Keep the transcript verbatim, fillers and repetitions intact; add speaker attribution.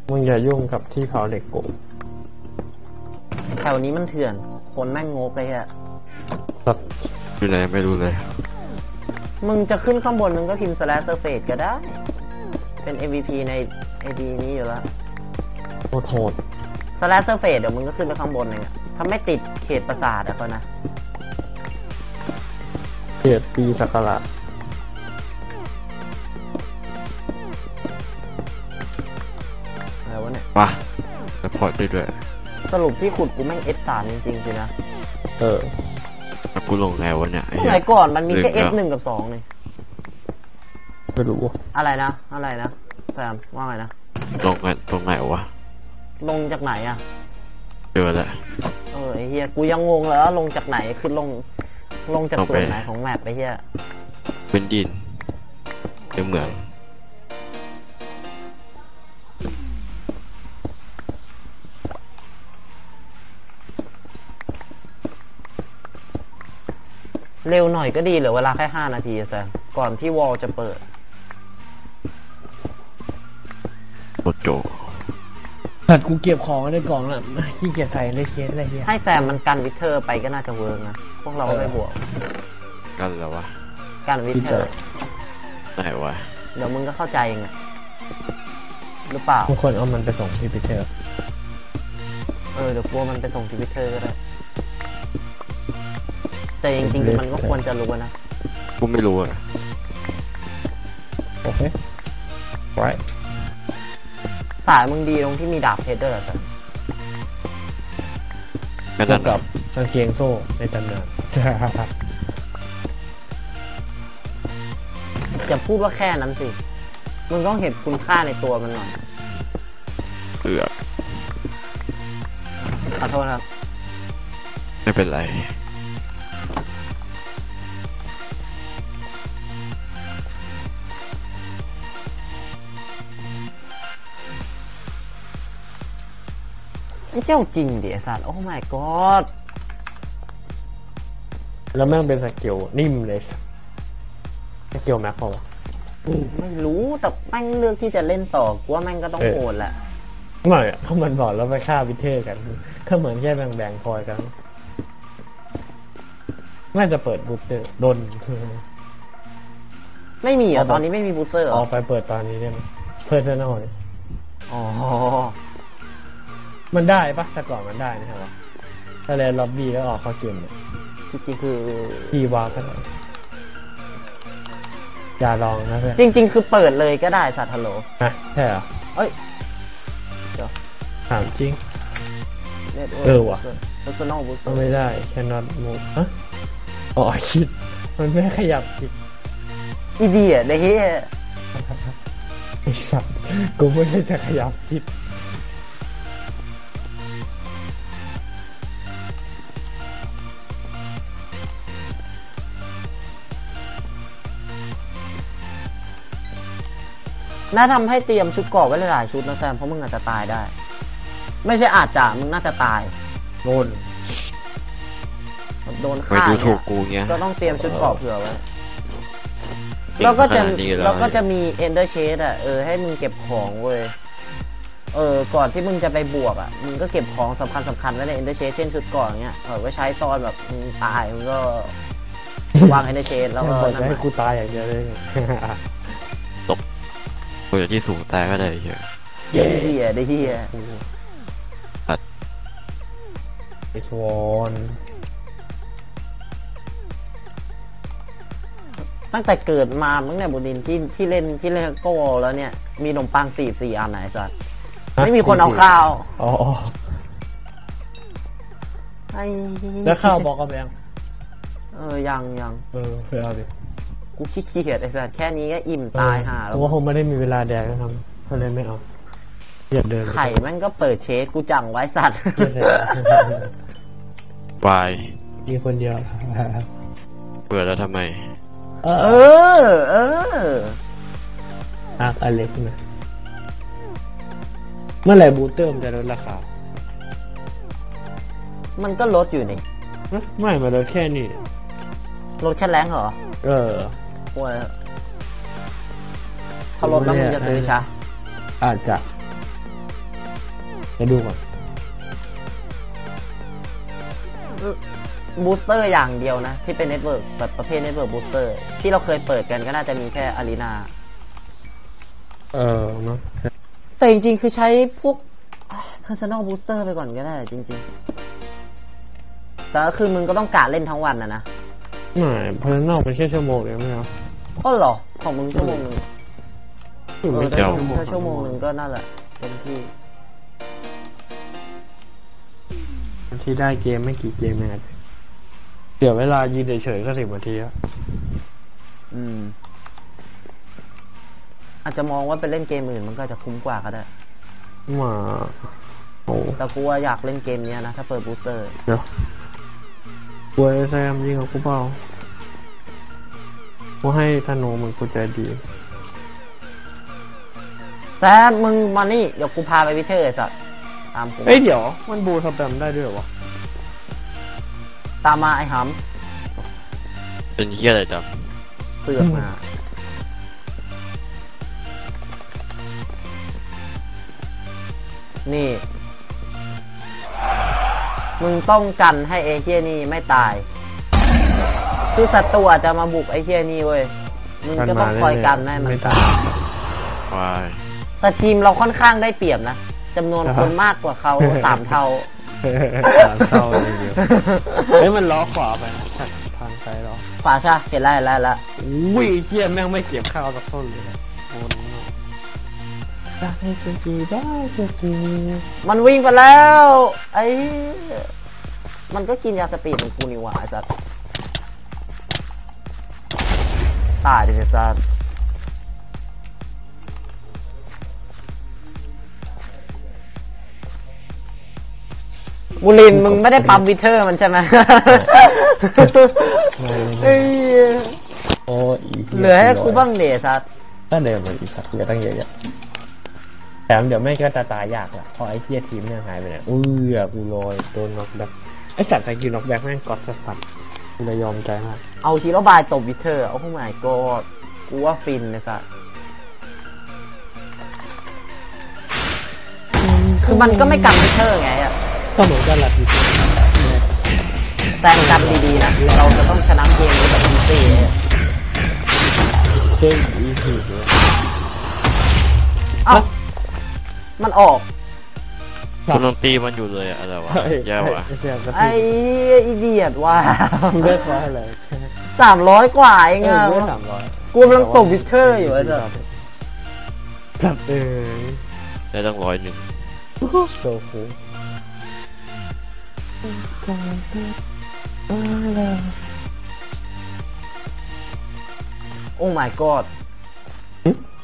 Speaker 1: มึงอย่ายุ่งกับที่เผาเหล็กกู
Speaker 2: แถวนี้มันเถื่อนคนแม่งงกเลยอะ
Speaker 3: อยู่ไหนไม่รู้เลย
Speaker 2: มึงจะขึ้นข้างบนมึงก็พิมพ์ slash surface ก็ได้เป็น เอ็ม วี พี ใน ไอ ดี นี้อยู่แล้ว
Speaker 1: โหดโหด
Speaker 2: slash surface เดี๋ยวมึงก็ขึ้นไปข้างบนเองอะถ้าไม่ติดเขตปราสาทอะก็นะ
Speaker 1: เขตปีสักการะ
Speaker 2: อะไรวะเนี่ย
Speaker 3: ว้าแล้วพอได้ด้วย
Speaker 2: สรุปที่ขุดกูแม่ง เอส สาม จริงๆสินะ
Speaker 1: เออ
Speaker 3: กูลงไงวะเนี่ย
Speaker 2: สมัยก่อนมันมีแค่ เอส หนึ่ง กับสองนี่
Speaker 1: ไม่รู้
Speaker 2: อะไรนะอะไรนะแซมว่าไงนะ
Speaker 3: ลงกันตรงไหนวะ
Speaker 2: ลงจากไหนอะ
Speaker 3: เจอแล้ว
Speaker 2: เออไอเฮียกูยังงงเลยว่าลงจากไหนคือลงลงจากส่วนไหนของแมปไปเฮีย
Speaker 3: เป็นดินเป็นเหมือง
Speaker 2: เร็วหน่อยก็ดีเหลือเวลาแค่ห้านาทีแซมก่อนที่วอลจะเปิด
Speaker 3: โคโจ
Speaker 1: ถัดกูเก็บของในกล่องน่ะขี้เกียจใส่เลยเคสอะไรเงี้ย
Speaker 2: ให้แซมมันกันวิเทอร์ไปก็น่าจะเวิร์กนะพวกเราก็ไม่บวก
Speaker 3: กันแล้ววะ
Speaker 2: กันวิเทอร์
Speaker 3: ไหนวะ
Speaker 2: เดี๋ยวมึงก็เข้าใจเองอะหรือเปล่า
Speaker 1: ทุกคนเอามันไปส่งที่วิเทอร์
Speaker 2: เออเดี๋ยวกลัวมันไปส่งที่วิเทอร์ก็ได้แต่จริงๆมันก็ควรจะรู้นะ
Speaker 3: กูไม่รู้อะ
Speaker 1: โอเคไว้
Speaker 2: สายมึงดีตรงที่มีดาบเพชรด้วยเหรอ
Speaker 3: ไม่ตัด
Speaker 1: กับกางเกงโซ่ในตำนาน
Speaker 2: อย่าพูดว่าแค่นั้นสิมึงต้องเห็นคุณค่าในตัวมันหน่อย
Speaker 3: เอือ
Speaker 2: ขอโทษครับ
Speaker 3: ไม่เป็นไร
Speaker 2: ไม่เจ้าจริงดิไอ้สัตว์โอ้ my god
Speaker 1: แล้วแม่งเป็นสกิลนิ่มเลยสกิลแม็กพอ
Speaker 2: ไม่รู้แต่แม่งเลือกที่จะเล่นต่อกูว่าแม่งก็ต้องโหดแหละ
Speaker 1: ไม่เขามันบอกแล้วไปฆ่าวิเทอร์กันก็เหมือนแค่แบ่งแบ่งคอยกันน่าจะเปิดบูสเตอร์โดน
Speaker 2: ไม่มีอ่ะตอนนี้ไม่มีบูสเตอร์
Speaker 1: ออกไปเปิดตอนนี้ได้ไหมเพิ่มเท่าน้อย
Speaker 2: อ๋อ
Speaker 1: มันได้ปะแต่ก่อนมันได้นะครับถ้าเล่นล็อบบี้แล้วออกเข้าเกมเนี่ย
Speaker 2: จริงๆคือ
Speaker 1: ทีวาก็ได้อย่าลองนะเพื่อน
Speaker 2: จริงๆคือเปิดเลยก็ได้สัตว์ฮัลโหล
Speaker 1: ฮะใช่เหรอ
Speaker 2: เอ้ยเดี๋ยว
Speaker 1: ถามจริงเออว่ะ
Speaker 2: personal booster
Speaker 1: ไม่ได้ cannot move ฮะอ๋อคิดมันไม่ขยับคิด
Speaker 2: อีเดียเฮ้ย
Speaker 1: ไอ้สัตว์กูไม่ได้จะขยับคิด
Speaker 2: น่าทำให้เตรียมชุดเกราะไว้หลายชุดนะแซมเพราะมึงอาจจะตายได้ไม่ใช่อาจจะมึงน่าจะตาย
Speaker 1: โดน
Speaker 2: โดนฆ่าเนี่ยก็ต้องเตรียมชุดเกราะเผื่อไว้แล้วก็จะแล้วก็จะมีเอนเดอร์เชดอ่ะเออให้มึงเก็บของเว้ยเออก่อนที่มึงจะไปบวกอ่ะมึงก็เก็บของสำคัญสำคัญไว้ในเอนเดอร์เชดเช่นชุดเกราะอย่างเงี้ยเออไว้ใช้ตอนแบบมึงตายมึงก็วางเอนเดอร์เชดแล้วก็
Speaker 1: นั่นให้กูตายอย่างเดียวเลย
Speaker 3: กูจะที่สูงตายก็ได้เหี้ย
Speaker 2: เหี้ยเหี้ยได้เหี้ย
Speaker 1: ไอชวน
Speaker 2: ตั้งแต่เกิดมามึงเนี่ยบุดินที่ที่เล่นที่เล่นโก้แล้วเนี่ยมีขนมปังสี่สี่อันไหนสัตว์ไม่มีคนเอาข้าว
Speaker 1: อ๋อ
Speaker 2: ไอ้
Speaker 1: แล้วข้าวบอกกับยัง
Speaker 2: เออยังยัง
Speaker 1: เออไปเอาดิ
Speaker 2: กูขี้เกียจไอ้สัตว์แค่นี้ก็อิ่มตายห่าแล้ว
Speaker 1: เพราะว่าคงไม่ได้มีเวลาแดกก็ทำก็เลยไม่เอาเกียดเดิน
Speaker 2: ไข่แม่งก็เปิดเชสกูจังไว้สัตว์
Speaker 3: วาย
Speaker 1: มีคนเดียว
Speaker 3: เปิดแล้วทำไม
Speaker 2: เออเออ
Speaker 1: อักอเล็กนะเมื่อไหร่บูสเตอร์มันจะลดราคา
Speaker 2: มันก็ลดอยู่นี่
Speaker 1: ไม่มาลดแค่นี้
Speaker 2: ลดแค่แรงเหรอ
Speaker 1: เออ
Speaker 2: โว้ยถ้าลดแล้วมึงจะซื้อช้า
Speaker 1: อาจจะจะดูก่อน
Speaker 2: บูสเตอร์อย่างเดียวนะที่เป็นเน็ตเวิร์กแบบประเภทเน็ตเวิร์กบูสเตอร์ที่เราเคยเปิดกันก็น่าจะมีแค่อารีนา
Speaker 1: เออเนาะ
Speaker 2: แต่จริงๆคือใช้พวก personal booster ไปก่อนก็ได้จริงๆแต่คือมึงก็ต้องกะเล่นทั้งวันนะนะ
Speaker 1: ไม่เพลินนอกเป็นแค่ชั่วโมงเดียวไม่เอา
Speaker 2: ก็หรอของมึงชั่วโมงนึงเออ
Speaker 3: ไม่
Speaker 2: แค่
Speaker 3: เจ้า
Speaker 2: ชั่วโมงนึงก็นั่นแหละเต็มที่
Speaker 1: บางทีได้เกมไม่กี่เกมเองเดี๋ยวเวลายืนเฉยๆก็สิบนาทีอะ
Speaker 2: อืมอาจจะมองว่าเป็นเล่นเกมอื่นมันก็จะคุ้มกว่าก็ได้
Speaker 1: มาโอ้
Speaker 2: แต่กูว่าอยากเล่นเกมนี้นะถ้าเปิดบูสเตอร์
Speaker 1: เดี๋ยวกูไอ้แซมยิงกับกูเปล่ากูให้ธนูมึงกูใจดี
Speaker 2: แซมมึงมานี่เดี๋ยวกูพาไปวิเทอร์ไอ้สัตว์ตามกู
Speaker 1: เอ้ยเดี๋ยวมันบูสแปมได้ด้วยเหรอวะ
Speaker 2: ตามมาไอ้ห
Speaker 3: ำเป็นเหี้ยอะไรจ๊ะ
Speaker 2: เสือกมานี่มึงต้องกันให้ไอ้เฮียนี่ไม่ตายคือศัตรูอาจจะมาบุกไอ้เฮียนี่เว้ยมึงก็ต้องคอยกันให้มันตายแต่ทีมเราค่อนข้างได้เปรียบนะจำนวนคนมากกว่าเขาสามเท่า
Speaker 1: สามเท่าเลยเดียวเฮ้ยมันล้อขวาไปทางซ้ายล้อ
Speaker 2: ขวาใช่เห็นแล้วแล้วแล้ว
Speaker 1: อุ้ยเฮียแม่งไม่เก็บข้าวสักต้นเลยโอ้ได้สกีได้สกี
Speaker 2: มันวิ่งไปแล้วไอ้มันก็กินยาสปีดของกูนี่หว่าไอ้สัสตายดิไอ้สัสบุรินมึงไม่ได้ปั๊มวิเทอร์มันใช่ไหม
Speaker 1: โอ้
Speaker 2: เหลือให้กูบ้างเดชสัส
Speaker 1: ถ้าเดิมมันอีกสักเยอะตั้งเยอะแถมเดี๋ยวไม่ก็ตาตายยากละพอไอ้เคียทีมเนี่ยหายไปเนี่ยอุ้ยกูลอยโดนน็อกแบ็คไอ้สัตว์สกิลน็อกแบ็คแม่งกอดสัสๆกูเลยยอมใจมาก
Speaker 2: เอาทีละบายตบวิเทอร์โอ้โหไม่ก็กูว่าฟินเลยสัสคือมันก็ไม่กันวิเทอร์ไงอ่ะ
Speaker 1: ก็เหมือนกันแหละพี่
Speaker 2: แซงกันดีๆนะเราจะต้องชนะเกมนี้แบบอีซี่
Speaker 1: เช่นอีซี่เลย
Speaker 2: เอ้ามันออก
Speaker 3: คุณลองตีมันอยู่เลยอะไรวะแย่วะ
Speaker 2: ไอ้อีเดียดว่ะ
Speaker 1: เลือกว่าอะไร
Speaker 2: สามร้อยกว่าเองอ่ะ
Speaker 1: สามร้อย
Speaker 2: กูกำลังตบวิเทอร์อยู่ไอ้สัส
Speaker 1: จับเอ้ย
Speaker 3: ได้ตั้งร้อยหนึ่ง
Speaker 1: โซคู
Speaker 2: โอ้ my god